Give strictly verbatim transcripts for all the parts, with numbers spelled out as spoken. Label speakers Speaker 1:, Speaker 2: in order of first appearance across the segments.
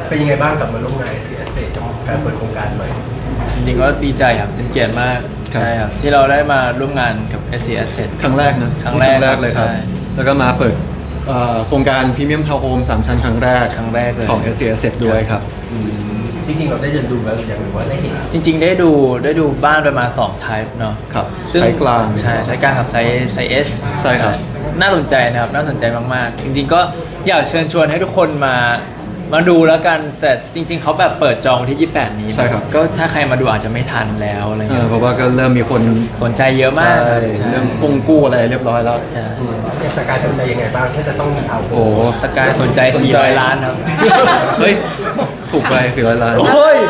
Speaker 1: เป็นยังไงบ้างกับมาร่วมงาน เอส ซี Asset กับการเปิดโครงการใหม่
Speaker 2: จริงๆก็ดีใจครับเป็นเกียรติมาก
Speaker 3: ครับ
Speaker 2: ใช่ครับที่เราได้มาร่วมงานกับ เอส ซี Asset
Speaker 3: ครั้งแรกนะ
Speaker 2: ครั้งแรก
Speaker 3: เลยครับ
Speaker 2: ใช่
Speaker 3: แล้วก็มาเปิดเอ่อโครงการพรีเมียมทาวน์โฮมสามชั้นครั้งแรก
Speaker 2: ครั้งแรกเลย
Speaker 3: ของ เอส ซี Asset ด้วยครับ
Speaker 1: จริงๆเราได้เดินดูแล้วหรือยังหรือว่าได้เห็น
Speaker 2: จริง ๆ ได้ดูได้ดูบ้านประมาณสอง type เนาะ
Speaker 3: ครับ
Speaker 2: ซึ่ง
Speaker 3: ไซส์กลาง
Speaker 2: ใช่ไซส์กลางกับไซส์ไซส์ S
Speaker 3: ใช่ครับ
Speaker 2: น่าสนใจนะครับน่าสนใจมากๆ จริงๆก็อยากเชิญชวนให้ทุกคนมามาดูแล้วกัน แต่จริง ๆเขาแบบเปิดจองที่ยี่สิบแปดนี้
Speaker 3: ใช่ครับ
Speaker 2: ก็ถ้าใครมาดูอาจจะไม่ทันแล้วอะไร
Speaker 3: เอ
Speaker 2: เงี้
Speaker 3: อยเพราะว่าก็เริ่มมีคน
Speaker 2: สนใจเยอะมาก
Speaker 3: ใช่
Speaker 2: ใช่
Speaker 3: เริ่มคงกู้อะไรเรียบร้อยแล้ว
Speaker 2: ใช่
Speaker 1: อย่างสกายสนใจยังไงบ้างถ้าจะต้องมีเอา
Speaker 3: โอ้
Speaker 2: สกายสนใจ
Speaker 3: สน
Speaker 2: สี่
Speaker 3: ใจ
Speaker 2: ร้อยล้านครับ
Speaker 3: เฮ้ย ถูกไปสี่ร้อยล้าน
Speaker 2: โอ้ย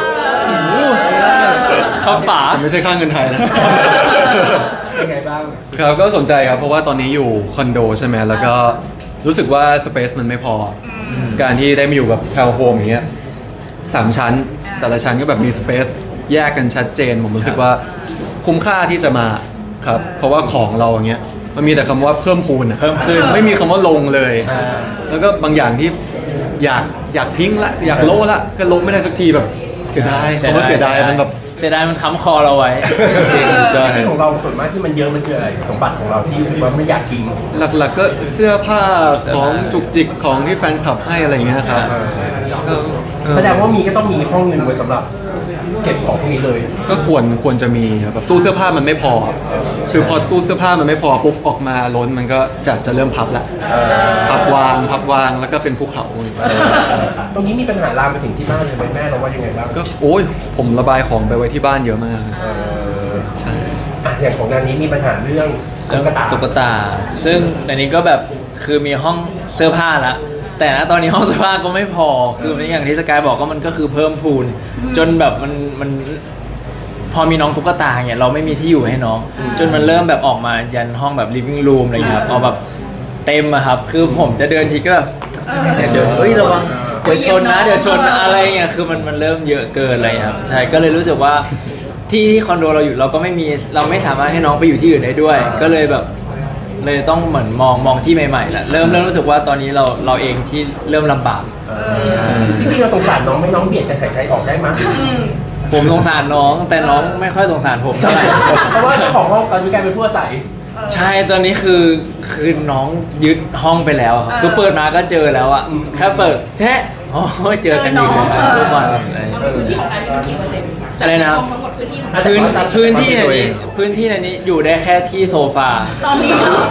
Speaker 2: เขาป๋า
Speaker 3: แต่ไม่ใช่ค่าเงินไทยนะ
Speaker 1: ยังไงบ้าง
Speaker 3: ครับก็สนใจครับเพราะว่าตอนนี้อยู่คอนโดใช่ไหมแล้วก็รู้สึกว่าสเปซมันไม่พออการที่ได้มาอยู่กับทาวน์โฮมอย่างเงี้ยสามชั้น แต่ละชั้นก็แบบมีสเปซแยกกันชัดเจน ผมรู้สึกว่าคุ้มค่าที่จะมาครับเพราะว่าของเราอย่างเงี้ยมันมีแต่คำว่าเพิ่มพูนอะ
Speaker 2: เพิ่มขึ้น
Speaker 3: ไม่มีคำว่าลงเลย
Speaker 2: ใช่
Speaker 3: แล้วก็บางอย่างที่อยากอยากทิ้งละอยากโละละก็โละไม่ได้สักทีแบบเสียดายคำว่าเสียดายมันแบบ
Speaker 2: เสียดายมันค้ำคอเราไว้จริง
Speaker 3: ใช่
Speaker 1: ที่ของเราส่วนมากที่มันเยอะมันคืออะไรสมบัติของเราที่รู้สึกว่าไม่อยากทิ้ง
Speaker 3: หลักๆก็เสื้อผ้าของจุกจิกของที่แฟนคลับให้อะไรอย่างเงี้ยครับก็เออ
Speaker 1: แสดงว่ามีก็ต้องมีห้องหนึ่งไว้สำหรับเก็บของพวกนี้เลย
Speaker 3: ก็ควรควรจะมีครับแบบตู้เสื้อผ้ามันไม่พอคือพอตู้เสื้อผ้ามันไม่พอปุ๊บออกมาล้นมันก็จะจะเริ่มพับละพับวางพับวางแล้วก็เป็นภูเขา
Speaker 1: ตรงนี้มีปัญหาลามไปถึงที่บ้านเลยไหมแม่เราว่ายังไงบ้าง
Speaker 3: ก็โอ้ยผมระบายของไปไว้ที่บ้านเยอะมาก
Speaker 1: เออ
Speaker 3: ใช่
Speaker 1: อ่ะอย่างของงานนี้มีปัญหาเรื่อง
Speaker 2: เรื่อง
Speaker 1: ตุ๊กตา
Speaker 2: ตุ๊กตา ซึ่งในนี้ก็แบบคือมีห้องเสื้อผ้าละแต่ณตอนนี้ห้องเสื้อผ้าก็ไม่พอ คืออย่างที่สกายบอกก็มันก็คือเพิ่มพูน จนแบบมันมันพอมีน้องตุ๊กตาเนี่ยเราไม่มีที่อยู่ให้น้อง จนมันเริ่มแบบออกมายันห้องแบบ living room อะไรอย่างเงี้ยครับเอาแบบเต็มอะครับ คือผมจะเดินทีก็แบบเดินเฮ้ยระวังเดี๋ยวชนนะเดี๋ยวชนนะอะไรเงี้ยคือมันมันเริ่มเยอะเกินอะไรครับใช่ก็เลยรู้สึกว่าที่ที่คอนโดเราอยู่เราก็ไม่มีเราไม่สามารถให้น้องไปอยู่ที่อื่นได้ด้วย ก็เลยแบบเลยต้องเหมือนมองมองที่ใหม่ๆแหละเริ่มเริ่มรู้สึกว่าตอนนี้เราเราเองที่เริ่มลำบาก
Speaker 1: จริงๆเราสงสารน้องไหม่น้องเบียดกันหายใจออกได้มั้ย
Speaker 2: ผมสงสารน้องแต่น้องไม่ค่อยสงสารผมเท่าไหร่
Speaker 1: เพราะว่าเจ้าของห้องตอนนี้กลายเป็นผู้อาศัย
Speaker 2: ใช่ตอนนี้คือคือน้องยึดห้องไปแล้วครับคือเปิดมาก็เจอแล้วอะแค่เปิดแท้โอ้ยเจอกันอีกเลยทุกวันอะไร
Speaker 4: พื้นที่ของการนี่มันกี่เปอร์เซ็นต์
Speaker 2: อะไรนะครับ
Speaker 4: ทั้งหมดพื้นที่ของ
Speaker 2: พื้นพื้นที่ในนี้พื้นที่ในนี้อยู่ได้แค่ที่โซฟา
Speaker 4: ตอนนี้เหรอบ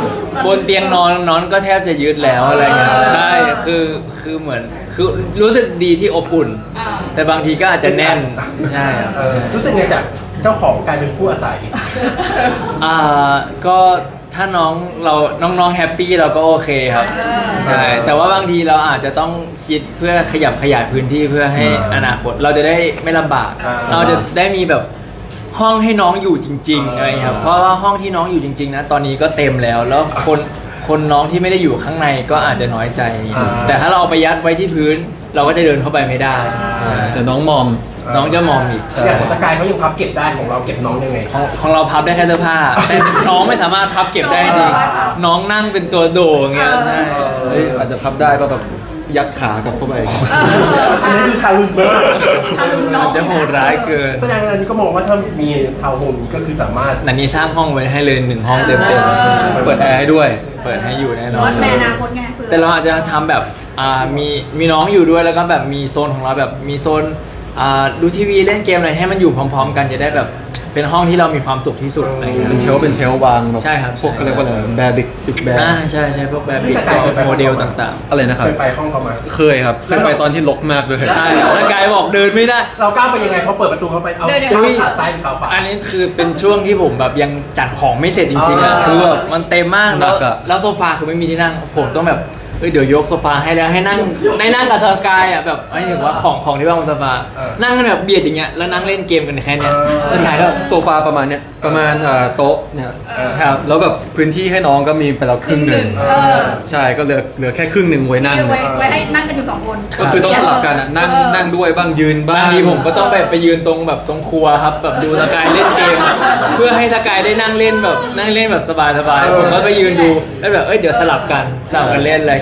Speaker 2: นเตียงนอนนอนก็แทบจะยึดแล้วอะไรเงี้ยใช่คือคือเหมือนคือรู้สึกดีที่อบอุ่น
Speaker 4: อ่า
Speaker 2: แต่บางทีก็อาจจะแน่นใช่ครับ
Speaker 1: เออรู้สึกไงจากเจ้าของกลายเป็นผู้อาศัย
Speaker 2: อ่าก็ถ้าน้องเราน้องๆแฮปปี้เราก็โอเคครับใช่แต่ว่าบางทีเราอาจจะต้องคิดเพื่อขยับขยายพื้นที่เพื่อให้อนาคตเราจะได้ไม่ลำบาก
Speaker 1: อ่า
Speaker 2: เราจะได้มีแบบห้องให้น้องอยู่จริงๆอะไรครับเพราะว่าห้องที่น้องอยู่จริงๆนะตอนนี้ก็เต็มแล้วแล้วคนคนน้องที่ไม่ได้อยู่ข้างในก็อาจจะน้อยใจ แต่ถ้าเราเอาไปยัดไว้ที่พื้น เราก็จะเดินเข้าไปไม่ได้
Speaker 3: แต่น้องมอม
Speaker 2: น้องจะมองอีก
Speaker 1: อย่างของสกายเขายังพับเก็บได้ของเราเก็บน้องยังไง
Speaker 2: ของของเราพับได้แค่เสื้อผ้า แต่น้องไม่สามารถพับเก็บได้จริงน้องนั่งเป็นตัวโดอย่างเงี้ยใช่
Speaker 3: เฮ้ยอาจจะพับได้ก็แบบยัดขากลับเข้าไป
Speaker 1: อันนี้คือทารุณมาก
Speaker 4: ทารุณน้อ
Speaker 2: อาง จจะโหดร้ายเกิน
Speaker 1: แสดงว่าอันนี้ก็มองว่าถ้ามีทาวน์โฮมนี้ก็คือสามารถ
Speaker 2: นันนี้สร้างห้องไว้ให้เลยหนึ่งห้องเต็ม
Speaker 3: เปิดแอร์ให้ด้วย
Speaker 2: ๆเปิดให้อยู่แน่นอ
Speaker 4: วัน ดในอนาคตไงเผื่อ
Speaker 2: แต่เราอาจจะทำแบบอ่ามีมีน้องอยู่ด้วยแล้วก็แบบมีโซนของเราแบบมีโซนอ่าดูทีวีเล่นเกมอะไรให้มันอยู่พร้อม ๆ กันจะได้แบบเป็นห้องที่เรามีความสุขที่สุดอะไรอย่างเงี้ย
Speaker 3: เป็นเชลฟ์เป็นเชลฟ์วางแบบ
Speaker 2: ใช่ครับ
Speaker 3: พวกก็เรียกว่าอะไรแบร์บิ๊กบิ๊กแบร์
Speaker 2: อ่าใช่ใช่พวกแบบบิกโมเดลต่าง
Speaker 3: อะไรนะครับ
Speaker 1: เคยไปห้องเขามา
Speaker 3: เคยครับเคยไปตอนที่รกมากด้วย
Speaker 2: ๆ ใช่ถ้ากายบอกเดินไม่ได้
Speaker 1: เราก้าวไปยังไงพอเปิดประตูเข้าไปเอา
Speaker 4: เดี๋ยวๆ
Speaker 1: ก้าวขาซ้ายเป็นขาขวา
Speaker 2: อันนี้คือเป็นช่วงที่ผมแบบยังจัดของไม่เสร็จจริงๆอ่ะ
Speaker 1: อ่า
Speaker 2: คือแบบมันเต็มมาก
Speaker 3: หนั
Speaker 2: แล้ว
Speaker 3: กอะ
Speaker 2: แล้วโซฟาคือไม่มีที่นั่งผมต้องแบบเอ้ยเดี๋ยวยกโซฟาให้แล้วให้นั่งได้นั่งกับสกายอ่ะแบบไม่ถึงว่าของของที่ว่างบนโซฟานั่งกันแบบเบียดอย่างเงี้ยแล้วนั่งเล่นเกมกันแค่เนี้ยแล้วถ่ายแล้ว
Speaker 3: โซฟาประมาณเนี้ยประมาณเอ่อโต๊ะเนี่ย
Speaker 2: ครับ
Speaker 3: แล้วแบบพื้นที่ให้น้องก็มีไปแล้วครึ่งหนึ่ง
Speaker 4: เออ
Speaker 3: ใช่ก็เหลือเหลือแค่ครึ่งหนึ่งไว้นั่ง
Speaker 4: ไว้ไว้ให้นั่งกันอยู่สองคน
Speaker 3: ก็คือต้องสลับกันอะนั่งนั่งด้วยบ้างยืนบ้า
Speaker 2: บาง งทีผมก็ต้องไปไปยืนตรงแบบตรงครัวครับแบบดูสกายเล่นเกม เพื่อให้สกายได้นั่งเล่นแบบนั่งเล่นแบบสบายๆผมก็ไปยืนดูแล้วแบบเอ้ยเดี๋ยวสลับกันสลับกันเล่นอะไร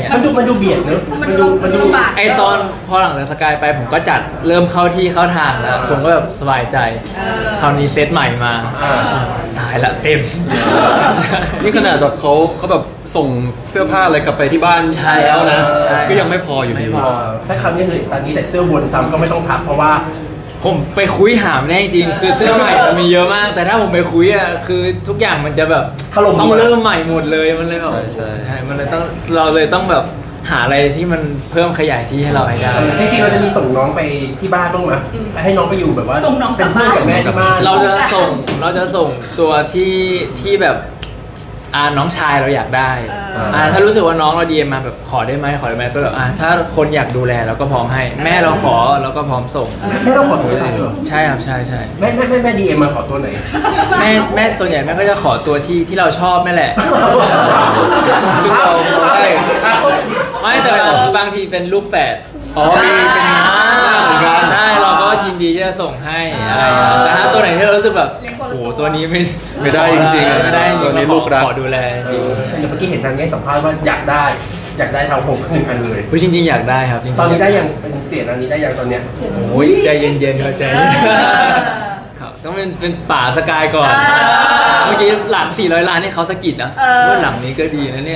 Speaker 2: เงี้ย
Speaker 1: มันดูมันดูเบียดเนอะ
Speaker 4: มันดูมันดูลำบาก
Speaker 2: ไอตอนพอหลังจากสกายไปผมก็จัดเริ่มเข้าที่เข้าทางแล้วผมก็แบบสบายใจคราวนี้เซตใหม่มา
Speaker 1: อ่า
Speaker 2: ตายละเต็ม
Speaker 3: นี่ขนาดแบบเขาเขาแบบส่งเสื้อผ้าอะไรกลับไปที่บ้าน
Speaker 2: ใช่
Speaker 3: แล้วนะ
Speaker 2: ใช่
Speaker 3: ก็ยังไม่พออยู่ดี
Speaker 2: ไม่พ
Speaker 1: เออถ้าคำนี้คือซันนี่ใส่เสื้อบนซ้ำก็ไม่ต้องทักเพราะว่า
Speaker 2: ผมไปคุยหามแน่จริงคือเสื้อใหม่มันมีเยอะมาก แต่ถ้าผมไปคุยอ่ะคือทุกอย่างมันจะแบบ
Speaker 1: ถล่ม
Speaker 2: ต้องเริ่มใหม่หมดเลยมันเลยแบบ
Speaker 3: ใช่ใช่
Speaker 2: ใช่มันเลยต้องเราเลยต้องแบบหาอะไรที่มันเพิ่มขยายที่ให้เราให้ได้
Speaker 1: จริงๆเราจะมีส่งน้องไปที่บ้านบ้างไหมให้น้องไปอยู่แบบว่า
Speaker 4: ส่งน้องกลั
Speaker 1: เป็
Speaker 4: บ
Speaker 1: นเพื่อน
Speaker 4: บ้าน
Speaker 1: กับแม่ที่บ้าน
Speaker 2: เราจะส่งเราจะส่งตัวที่ที่แบบอ่าน้องชายเราอยากได้อ่าถ้ารู้สึกว่าน้องเราดีมาแบบขอได้ไหมขอได้ไหมก็แบบอ่าถ้าคนอยากดูแลเราก็พร้อมให้ แม่เราขอเราก็พร้อมส่ง
Speaker 1: แม่เราขอตัวไหนเหรอ
Speaker 2: ใช่ครับใช่ใช่
Speaker 1: แม่แม่แม่แม่ดีเอ็มมาขอตัวไหน
Speaker 2: แม่แม่ส่วนใหญ่แม่ก็จะขอตัวที่ที่เราชอบนั่นแหละ
Speaker 3: ซึ่งเราได้
Speaker 2: ไม่แต่บางบางทีเป็นลูกแฝด
Speaker 3: อ๋อมีเป็นหน้าเหมือนกัน
Speaker 2: ใช่เราก็ยินดีที่จะส่งให้อะไรอย่างเงี้ยแต่ถ้าตัวไหนที่เรารู้สึกแบบโอ้โหตัวนี้ไม่
Speaker 3: ไม่ได้จริงๆ
Speaker 2: ไม่ได้จริงๆ
Speaker 3: ตัวนี้
Speaker 2: เราขอ
Speaker 3: ลูกรัก
Speaker 2: ขอดูแลจริง
Speaker 1: เดี๋ยวเมื่อกี้เห็นทางนี้สัมภาษณ์ว่าอยากได้ อยากได้ทาวน์โฮมหนึ่งอันเลย
Speaker 2: เฮ้ยจริง ๆ อยากได้ครับจริงๆ
Speaker 1: ตอนนี้ได้ยังเป็นเสียงอันนี้ได้ยังตอนเนี้ย
Speaker 2: โอ้ยใจเย็นๆครับใจเย็นครับต้องเป็นเป็นป่าสกายก่อน เมื่อกี้หลังสี่ร้อยล้านนี่เขาสะกิดนะว่าหลังนี้ก็ดีนะเนี่ย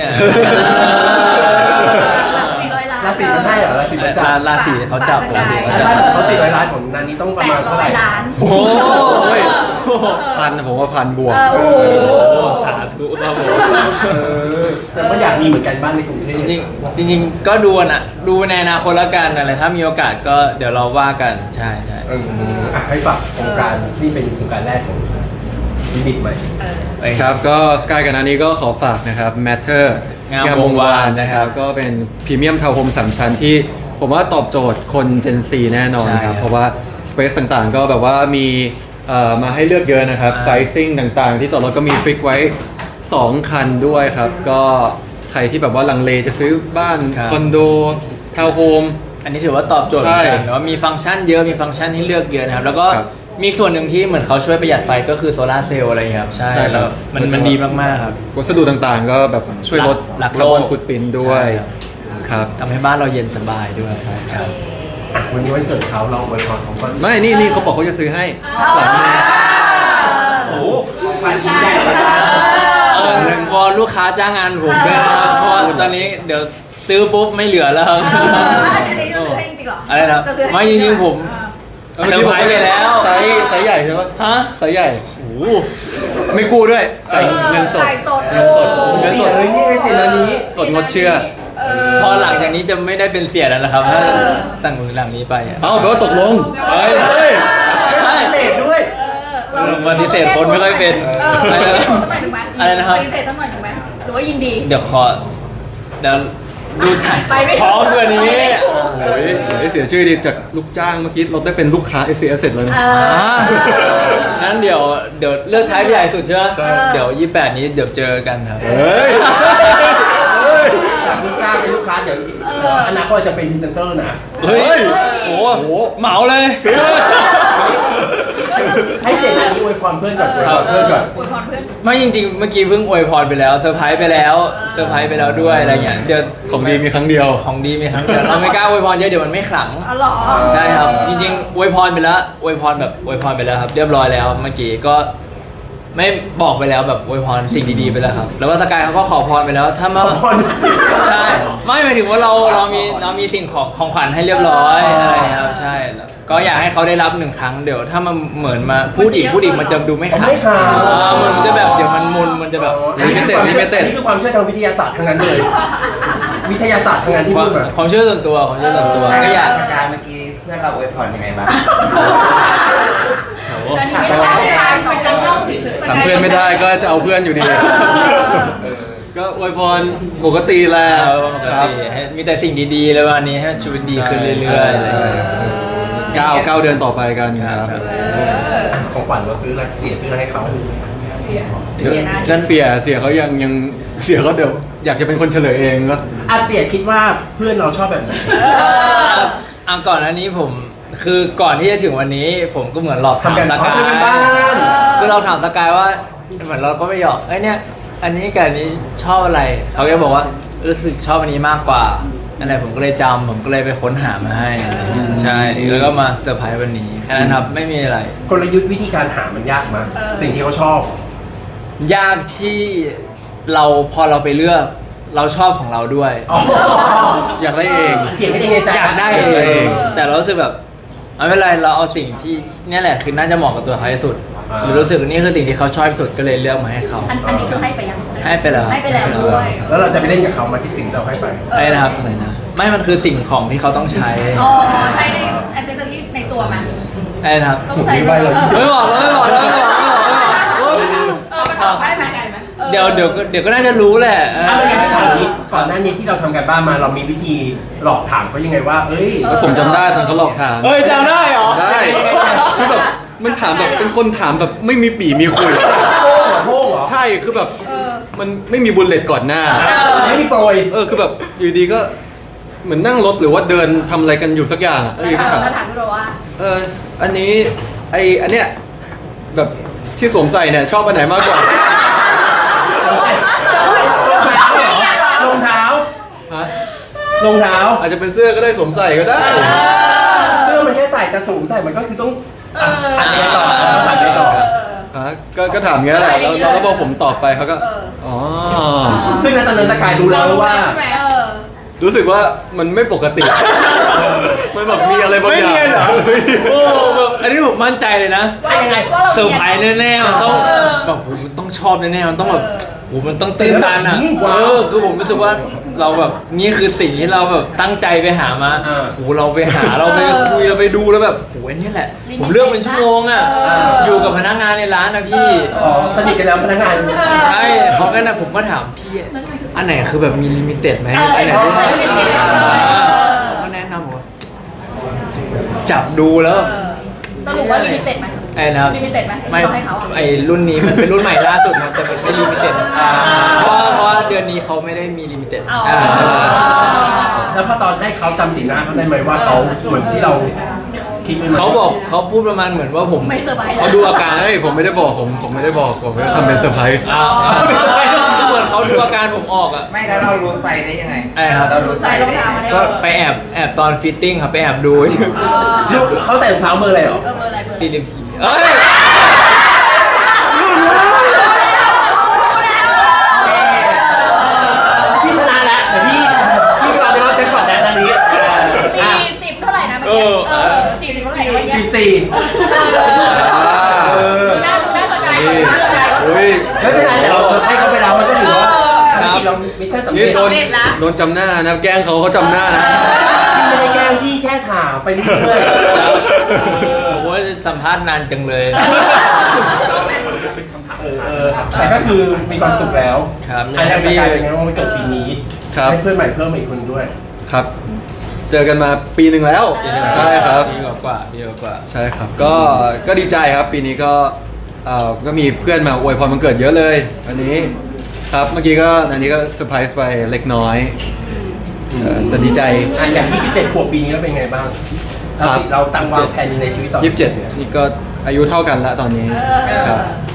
Speaker 4: สี่ร้อยล้าน
Speaker 1: ราศีมันได้เหรอราศีมันจับ
Speaker 2: ราราศีเขาจับราศีเขา
Speaker 1: ถ้า
Speaker 2: จับ
Speaker 1: เขาสี่ร้อยล้านของนันนี้ต้องประ
Speaker 4: แป
Speaker 1: มาณ
Speaker 4: ดร้
Speaker 1: เท่า
Speaker 4: อ
Speaker 1: ไหร่
Speaker 4: ยล้าน
Speaker 2: โอ้โห
Speaker 3: พันนะผมว่าพันบวก
Speaker 4: เออโอ้โห
Speaker 2: สาธุครับผม
Speaker 1: เออแต่ก็อยากมีเหมือนกันบ้านในกรุงเทพ
Speaker 2: จริงๆจริงๆก็ดูนะดูในอนาคตแล้วกันอะไรถ้ามีโอกาสก็เดี๋ยวเราว่ากันใช่ใช่
Speaker 1: เอออ่ะให้ฝากโครงการที่เป็นโครงการแรกของวิบิตใหม่
Speaker 3: ครับก็สกายกับนานี้ก็ขอฝากนะครับ Matter
Speaker 2: งามวงวาน
Speaker 3: นะครับก็เป็นพรีเมียมทาวน์โฮมสามชั้นที่ผมว่าตอบโจทย์คน Gen Z แน่นอน
Speaker 2: ใช่
Speaker 3: ค
Speaker 2: ครั
Speaker 3: รับบ เพราะว่าสเปซต่างๆ ก็แบบว่ามีเอ่อมาให้เลือกเยอะนะครับไซซิ่งต่างๆ ที่จอดรถก็มีฟิกไว้ สอง คันด้วยครับ ก็ใครที่แบบว่าลังเลจะซื้อบ้าน
Speaker 2: ครับ
Speaker 3: คอนโดทาวน์โฮม
Speaker 2: อันนี้ถือว่าตอบโจทย์เหมือนกัน
Speaker 3: ใช่
Speaker 2: แต่ว่ามีฟังก์ชันเยอะมีฟังก์ชันให้เลือกเยอะนะครับ แล้วก็
Speaker 3: ครับ
Speaker 2: มีส่วนหนึ่งที่เหมือนเขาช่วยประหยัดไฟก็คือโซลาร์เซลล์อะไรครับใช่
Speaker 3: ใช่ครับ
Speaker 2: แล้วมันมันดีมากๆครับ
Speaker 3: วัสดุต่างๆ ก็แบบช่วยลด
Speaker 2: หลัก
Speaker 3: คาร์บอน
Speaker 2: โลก
Speaker 3: ฟุตปรินท์ด้วย
Speaker 2: ใช่ครับ
Speaker 3: ครับ
Speaker 2: ทำให้บ้านเราเย็นสบายด้วยครับ
Speaker 1: อ่ะวันนี้วันเกิดเขาเราอวยพรของก่อน
Speaker 3: ไม่นี่นี่เขาบอกเขาจะซื้อให้หลังนี้
Speaker 1: โอ้โหฝันยิ่งใหญ่เลยนะ
Speaker 2: เออวอนลูกค้าจ้างงานผมด้วยนะครับเพราะว่าตอนนี้เดี๋ยวซื้อปุ๊บไม่เหลือแล้วครับ
Speaker 4: อันนี้จะซื้อให้จริงๆเหรอ
Speaker 2: อะไรนะ
Speaker 4: จซื้อให้
Speaker 2: ไม่จริงๆผม
Speaker 3: เมื่อกี้ผม
Speaker 2: เซอร์ไพรส์ไปแล้ว
Speaker 3: ไซส์ไซส์ใหญ่ใช่ปะ
Speaker 2: ฮะ
Speaker 3: ไซส์ใหญ่
Speaker 2: โอ้โห
Speaker 3: ไม่กู้ด้วยจ่ายเงินสด
Speaker 4: จ่ายสด
Speaker 3: เงินสดเงินส
Speaker 1: เสีย
Speaker 3: ด
Speaker 1: เลยนี่ไอ้เสียเลยนี้
Speaker 3: สดงดเชื่อ
Speaker 4: เออ
Speaker 2: พอหลังจากนี้จะไม่ได้เป็นเสียแล้วนะครับถ้าสั่งหลังนี้ไปอะ
Speaker 3: เอ้าแปลว่าตกลง
Speaker 2: เฮ้ย
Speaker 3: เฮ้ย
Speaker 2: ไม่
Speaker 1: เศษด้วย
Speaker 4: เรา
Speaker 2: ปฏิเสธคนไม่ค่อยเป็น
Speaker 4: เออ
Speaker 2: อะไรนะ อะไรนะครับ
Speaker 4: ปฏิเสธสักหน่อยถูกไหมหรือว่ายินดี
Speaker 2: เดี๋ยวขอเดี๋ยวดูถ่าย
Speaker 4: ไปไม่ถูก
Speaker 2: พร้อมกว่านี้
Speaker 3: โอ้ยเฮ้ยเสียชื่อดีจากลูกจ้างเมื่อกี้เราได้เป็นลูกค้า เอส ซี เอส เสร็จแล้วนะ
Speaker 4: เออ
Speaker 2: อ่างั้นเดี๋ยวเดี๋ยวเลือกท้ายใหญ่สุดใช่ไหม
Speaker 3: ใช่
Speaker 2: เดี๋ยวยี่สิบแปดนี้เดี๋ยวเจอกันครับ
Speaker 3: เฮ้ย
Speaker 1: จากลูกจ้างเป็นลูกค้าเดี๋ยวอนาคตจะเป็นพรีเซนเตอร์นะ
Speaker 2: เฮ้ยโอ้
Speaker 3: โอ้โห
Speaker 2: เหมาเลย
Speaker 1: ให้เสียงอันนี้อวยพรเพื่อนก่อนอวย
Speaker 2: ครั
Speaker 1: พ
Speaker 2: บ
Speaker 1: รเพื่อนก่อน
Speaker 4: อวยพรเพื่อน
Speaker 2: ไม่จริงๆ เมื่อกี้เพิ่งอวยพรไปแล้วเซอร์ไพรส์ไปแล้วเซอร์ไพรส์ไปแล้วด้วยอะไรอย่างเงี้ยเดี๋ยว
Speaker 3: ของดีมีครั้งเดียว
Speaker 2: ของดีมีครั้งเดียวเราไม่กล้าอวยพรเยอะเดี๋ยวมันไม่ขลัง
Speaker 4: อ๋อเหรอ
Speaker 2: ใช่ครับ จริงๆอวยพรไปแล้วอวยพรแบบอวยพรไปแล้วครับ เรียบร้อยแล้วเมื่อกี้ก็ไม่บอกไปแล้วแบบอวยพรสิ่งดีๆไปแล้วครับ แล้วว่าสกายเขาก็ขอพรไปแล้วถ้ามา
Speaker 1: ขอพร
Speaker 2: ใช่ไม่หมายถึงว่าเราเรามีเรามีสิ่งของของขวัญให้เรียบร้อยอะไรครับใช่แล้วก็อยากให้เขาได้รับหนึ่งครั้งเดี๋ยวถ้ามันเหมือนมาพูดอีกพูดอีกมันจะดูไม่ขลัง
Speaker 1: ไม่ขลัง
Speaker 2: อ่ามันจะแบบเดี๋ยวมันมุนมันจะแบบ
Speaker 1: อันนี้คือความเชื่ออันนี้คือความเชื่อทางวิทยาศาสตร์ทั้งนั้นเลย วิทยาศาสตร์ทั้งนั้นที่
Speaker 2: ความ
Speaker 1: พูดมา
Speaker 2: ความเชื่อส่วนตัวความเชื่อส่วนตัว
Speaker 5: แต่
Speaker 2: ก็อยาก
Speaker 5: สกายเมื่อกี้เพื่อนเราอวยพรยังไงบ้าง
Speaker 4: อันนี้ไม่ได้ไม่ได้เป็นการเล่าเฉยๆ
Speaker 3: ถามเพื่อนไม่ได้ก็จะเอาเพื่อนอยู่ดี ก็อวยพรปกติแหละ
Speaker 2: เออปก
Speaker 3: ครับ
Speaker 2: ติให้มีแต่สิ่งดีๆเลยวันนี้ให้ชีวิตดีขึ้นเรื่อยๆอะไรอย่างเงี้ย
Speaker 3: เก้าเก้าเดือนต่อไปกันครับ
Speaker 1: ของขวัญเราซื้ออะไรเสียซื้ออะไรให้เขา
Speaker 4: เสียเสียนะ
Speaker 2: ก็
Speaker 3: เสียเสียเขายังยังเสียเขาเดี๋ยวอยากจะเป็นคนเฉลยเองก็
Speaker 1: อาเสียคิดว่าเพื่อนเราชอบแบบไหน
Speaker 2: อ่ะอ่ะก่อนอันนี้ผมคือก่อนที่จะถึงวันนี้ ผมก็เหมือนหลอกถาม
Speaker 1: ทำกัน
Speaker 2: ส
Speaker 1: เพราะ
Speaker 2: กา
Speaker 1: เพื่อนเป็นบ้าย น
Speaker 2: คือเราถามสกายว่าเหมือนเราก็ไม่หยอกไอ้ยเนี่ยอันนี้กับอันนี้ชอบอะไรเขาก็บอกว่ารู้สึกชอบอันนี้มากกว่าอะไรผมก็เลยจำผมก็เลยไปค้นหามาให้อะไรอย่างเงี้ยใช่แล้วก็มาเซอร์ไพรส์วันนี้แค่นั้นครับไม่มีอะไร
Speaker 1: กลยุทธ์วิธีการหามันยากมากสิ่งที่เขาชอบ
Speaker 2: ยากที่เราพอเราไปเลือกเราชอบของเราด้วย
Speaker 3: อยากได้เอง
Speaker 1: เขียนไม่ได้ในใจ
Speaker 2: อยากได้
Speaker 3: อยากได้
Speaker 2: เอ
Speaker 3: เอง ง
Speaker 2: แต่เรารู้สึกแบบไม่เป็นไรเราเอาสิ่งที่เนี่ยแหละคือน่าจะเหมาะกับตัวเขาที่สุด
Speaker 1: อ่า
Speaker 2: หรือรู้สึกว่านี่คือสิ่งที่เขาชอบที่สุดก็เลยเลือกมาให้เขา
Speaker 4: อันอันนี้คือให้ไปยัง
Speaker 2: ให้ไปแล้ว
Speaker 4: ให้ไปแล้วด้วย
Speaker 1: แล้วเราจะไปเล่นกับเขามาที่สิ่งที่เราให้ไป
Speaker 2: ไอ้นะครับไม่มันคือสิ่งของที่เขาต้องใช้
Speaker 4: อ๋อใช้ในแอคเซสซอรี่ในตัวมัน
Speaker 2: ไอ้นะครับ
Speaker 4: ต้องใช้
Speaker 1: ผมไม่ไหวเลย
Speaker 2: ไม่บอกแล้วไม่บอกแล้วไม่บอกไม่บอกไม่บอกโอ๊ย
Speaker 4: เออมันตอบได้ไหมออ
Speaker 2: เดี๋ยวเดี๋ยวก็เดี๋ยวก็น่าจะรู้แหละเออ
Speaker 1: ถ้าไม่งั้นถามนี้ก่อนหน้านี้ที่เราทำกันบ้านมาเรามีวิธีหลอกถามเขายังไงว่า เอ้ย
Speaker 3: แล้วผมจำได้ตอนเขาหลอกถาม
Speaker 2: เอ้ยจำได้เหรอ
Speaker 3: ได้คือแบบมันถามแบบเป็นคนถามแบบไม่มีปีมีคุย
Speaker 1: โป้งเหรอโป้งเหรอ
Speaker 3: ใช่คือแบบมันไม่มีบุลเลตก่อนหน้า
Speaker 1: ไม่มีโปรย
Speaker 3: เออคือแบบอยู่ดีก็เหมือนนั่งรถหรือว่าเดินทำอะไรกันอยู่สักอย่างอะแล้วอยู่
Speaker 4: เอ
Speaker 3: ก็
Speaker 4: อ
Speaker 3: ถาม
Speaker 4: มาถามเราว่า
Speaker 3: เอออันนี้ไออันเนี้ยแบบที่สวมใส่เนี่ยชอบอันไหนมากกว่า
Speaker 1: รองเท้าร
Speaker 3: ฮะ
Speaker 1: องเท้า
Speaker 3: อาจจะเป็นเสื้อก็ได้สวมใส่ก็ได้
Speaker 1: เสื้อมันแค่ใส่แต่สูงใส่มันก็คือต้องอ่ะอันนี้ต่ออันนี้ต่อ
Speaker 3: ฮะก็ก็ถามงี้แหละแล้วแล้วแล้วพอผมตอบไปเขาก็อ๋อ
Speaker 1: ซึ่งในตอนนั้นสกายรู้แล้วว่า
Speaker 4: ใช่ไหมเออ
Speaker 3: รู้สึกว่ามันไม่ปกติ มันแบบมีอะไรบาง
Speaker 2: ไม่
Speaker 3: อย่าง
Speaker 2: เนียนเหรอโอ้แบบอันนี้ผมมั่นใจเลยนะ
Speaker 1: ว่ายังไง
Speaker 2: เซอร์ไพรส์แน่ๆมันต้องแบบโหมันต้องชอบแน่ๆมันต้องแบบโหมันต้องตื่นตันอ่ะ
Speaker 1: ว้าว
Speaker 2: เออคือผมรู้สึกว่าเราแบบนี่คือสิ่งที่เราแบบตั้งใจไปหามา
Speaker 1: อ่า
Speaker 2: โหเราไปหาเราไปคุยเราไปดูแล้วแบบโหอันนี้แหละ ผมเลือกเป็นชั่วโมงอ่ะอยู่กับพนักงานในร้านนะพี่
Speaker 1: อ๋อสนิทกันแล้วพนักงาน
Speaker 2: ใช่เขาก็นะผมก็ถามพี่อันไหนคือแบบมีลิมิเต็ดไหม
Speaker 4: เออ
Speaker 2: อันไหนที่
Speaker 4: เออ
Speaker 2: เขาก็แนะนำว่าจับดูแล้ว
Speaker 4: สรุปว่าลิมิเต็ดไหม
Speaker 2: ไอ้นะครับ
Speaker 4: ลิมิเต็ดไหม
Speaker 2: ไม่
Speaker 4: ที่เราให้เขาอะ
Speaker 2: ไอ้รุ่นนี้มันเป็นรุ่นใหม่ล่าสุดนะแต่มันไม่ลิมิเต็ดเพราะว่าเพราะว่าเดือนนี้เขาไม่ได้มีลิมิเต็ด
Speaker 4: อ๋อ
Speaker 2: อ่า
Speaker 1: แล้วพอตอนให้เขาจำสีหน้าเขาได้ไหมว่าเขาเหมือนที่เราคิดไว้ไหม
Speaker 2: เขาบอกเขาพูดประมาณเหมือนว่าผม
Speaker 4: ไม่เซอร์ไพรส์
Speaker 2: เขาดูอาการ
Speaker 3: เฮ้ยผมไม่ได้บอกผมผมไม่ได้บอกผมก็ทำเป็นเซอร์ไพรส์
Speaker 2: อ้าวไม่ใช่คือเหมือนเขาดูอาการผมออกอ่ะ
Speaker 5: ไม่แล้วเรารู้ไซส์ได้ยังไง
Speaker 2: ไอ้ครับ
Speaker 5: เรารู้ไซ
Speaker 4: ใส่
Speaker 5: ส์
Speaker 4: ร
Speaker 5: ได้
Speaker 4: อง
Speaker 5: ยัง
Speaker 4: เท้า
Speaker 5: ไง
Speaker 4: มาได้
Speaker 2: ก็ไปแอบแอบตอนฟิตติ้งครับไปแอบดู
Speaker 1: ลูกเขาใส่รองเท้าเบอร์อะไรเหรอ
Speaker 4: เออเบอร์อะไรเบอร์อะไร
Speaker 2: สี่สิบสี่เอ้ย
Speaker 1: พี่ชนะแล้วเดี๋ยวพี่พี่เราจะเล่าแจ็คพอตแล้วตอนนี้อ่ะ
Speaker 4: สี่สิบเท่าไหร่นะเมื่อกี้เออสี่สิบเท่าไหร่นะเมื่อกี้
Speaker 1: สิบสี่
Speaker 3: เออ
Speaker 4: ดูหน้าดูหน้าสกายดูหน้าสกาย
Speaker 3: อุ้ย
Speaker 1: ไม่เป็นไรแต่เราเซอร์ไพรส์เขาไปแล้วมันก็ถือว่าภารกิจเรามิชชั่นสำ
Speaker 3: นี่
Speaker 1: เร็จ
Speaker 3: โดนโดนจำหน้านะแกล้งเขาเขาจำหน้านะ
Speaker 1: พี่ไม่ได้แกล้งพี่แค่ถามไปเรื่อย
Speaker 2: โอ้ยสัมภาษณ์นานจังเลย
Speaker 1: ๆเออเออแต่ก็คือมีความสุขแล้ว
Speaker 2: ครับ
Speaker 1: อันนี้สกายเป็นไงบ้างวันเกิดปีนี้
Speaker 3: ครับ
Speaker 1: ให้เพื่อนใหม่เพิ่มมาอีกคนด้วย
Speaker 3: ครับ เจอกันมาปีหนึ่งแล้วใช่ครับ
Speaker 2: ดีกว่าดีกว่า
Speaker 3: ใช่ครับ ก็ก็ดีใจครับ ปีนี้ก็เอ่อก็มีเพื่อนมาอวยพรวันเกิดเยอะเลยวันนี้ครับเมื่อกี้ก็อันนี้ก็เซอร์ไพรส์ไปเล็กน้อยเอ่อแต่ดีใจ
Speaker 1: อ่ะอย่างยี่สิบเจ็ดขวบปีนี้แล้วเป็นไงบ้าง
Speaker 3: ครับ
Speaker 1: เราตั้งวางแผนในชีวิตต่อ
Speaker 3: ยี่สิบเจ็ดนี่ก็อายุเท่ากันละตอนนี้ครับ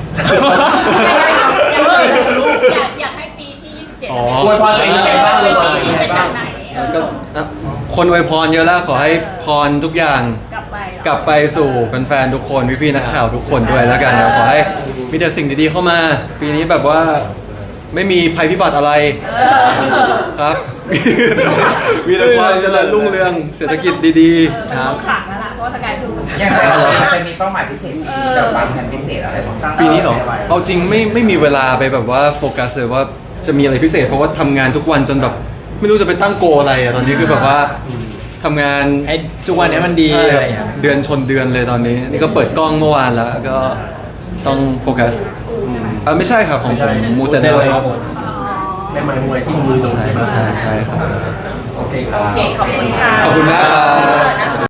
Speaker 4: อยากอยากให้ปีที่ยี่สิบเจ็ด
Speaker 3: อ๋อ
Speaker 1: อวยพรตัวเองยังไงบ้างอวยพรตัวเองยังไง
Speaker 4: เป็น
Speaker 1: บ้า
Speaker 4: จาง กไหนเออ
Speaker 3: ก็นะคนอวยพรเยอะแล้วขอให้พรทุกอย่าง
Speaker 4: กลับไปเหรอ
Speaker 3: กลับไปสู่แฟนๆทุกคนพี่ๆนักข่าวทุกคนด้วยแล้วกันนะขอให้มีแต่สิ่งดีๆเข้ามา ปีนี้แบบว่าไม่มีภัยพิบัติอะไรครับ มีแต่ความเจริญรุ่งเรืองเศรษฐกิจดี
Speaker 4: มันต้องขลังแล้วล่ะเพราะว่าสกายคือ
Speaker 5: ยังไงเราจะมีเป้าหมายพิเศษปีนี้แบบวางแผนพิเศษอะไรบ้าง
Speaker 3: ๆ ปีนี้เหรอเอาจริงไม่ไม่มีเวลาไปแบบว่าโฟกัสเลยว่าจะมีอะไรพิเศษ เพราะว่าทำงานทุกวันจนแบบไม่รู้จะไปตั้งโกอะไรอะตอนนี้คือแบบว่าทำงาน
Speaker 2: ให้ทุกวันนี้มันดี
Speaker 3: ใช่
Speaker 2: อะไรอย่างเงี้ย
Speaker 3: เดือนชนเดือนเลยตอนนี้ นี่ก็เปิดกล้องเมื่อวานแล้วก็ต้องโฟกัสอ่าไม่ใช่ครับของผมมูเตเนลครับ
Speaker 1: แม่ไม้มวยที่มือตรง
Speaker 3: ใช่
Speaker 1: นี้
Speaker 3: ใช่ใช่ครับ
Speaker 1: โอเคครับ
Speaker 4: โอเคขอบคุณค่ะ
Speaker 3: ขอบคุณมากครับ